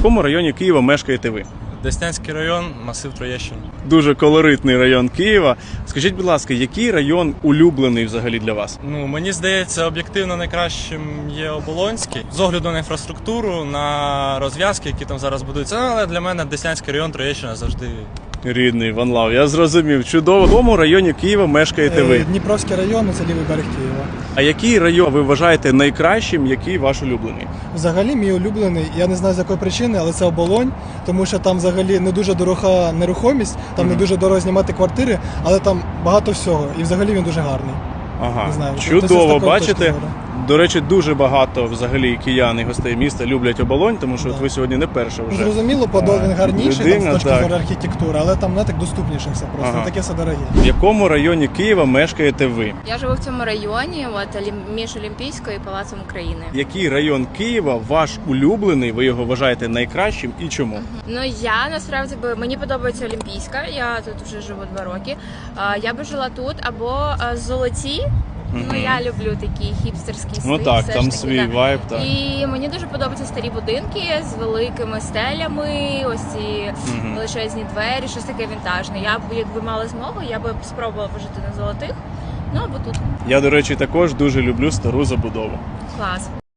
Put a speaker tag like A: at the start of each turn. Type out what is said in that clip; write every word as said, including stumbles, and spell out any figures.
A: якому районі Києва мешкаєте ви?
B: Деснянський район, масив Троєщина.
A: Дуже колоритний район Києва. Скажіть, будь ласка, який район улюблений взагалі для вас?
B: Ну, мені здається, об'єктивно найкращим є Оболонський. З огляду на інфраструктуру, на розв'язки, які там зараз будуються. Ну, але для мене Деснянський район, Троєщина завжди.
A: Рідний, Ван Лав, я зрозумів. Чудово. В якому районі Києва мешкаєте ви?
C: Дніпровський район, це лівий берег Києва.
A: А який район ви вважаєте найкращим, який ваш улюблений?
C: Взагалі, мій улюблений, я не знаю з якої причини, але це Оболонь, тому що там взагалі не дуже дорога нерухомість, там mm-hmm. не дуже дорого знімати квартири, але там багато всього. І взагалі він дуже гарний.
A: Ага,
C: не знаю,
A: чудово, бачите. До речі, дуже багато взагалі киян і гостей міста люблять Оболонь, тому що
C: да.
A: от ви сьогодні не перша вже.
C: Зрозуміло, Подол він гарніший
A: людина,
C: там, з точки
A: так.
C: зору архітектури, але там не так доступніше все просто,
A: Ага.
C: не таке все дороге.
A: В якому районі Києва мешкаєте ви?
D: Я живу в цьому районі, от, між Олімпійською і Палацом України.
A: Який район Києва ваш улюблений, ви його вважаєте найкращим і чому?
D: Угу. Ну, я насправді би, мені подобається Олімпійська, я тут вже живу два роки. Я би жила тут або Золоті. Ну, mm-hmm. я люблю такий хіпстерський стиль.
A: Ну так, там
D: таки,
A: свій
D: да.
A: вайб, так.
D: І мені дуже подобаються старі будинки з великими стелями, ось ці mm-hmm. величезні двері, щось таке вінтажне. Я б, якби мала змогу, я б спробувала пожити на Золотих, ну або тут.
A: Я, до речі, також дуже люблю стару забудову.
D: Клас.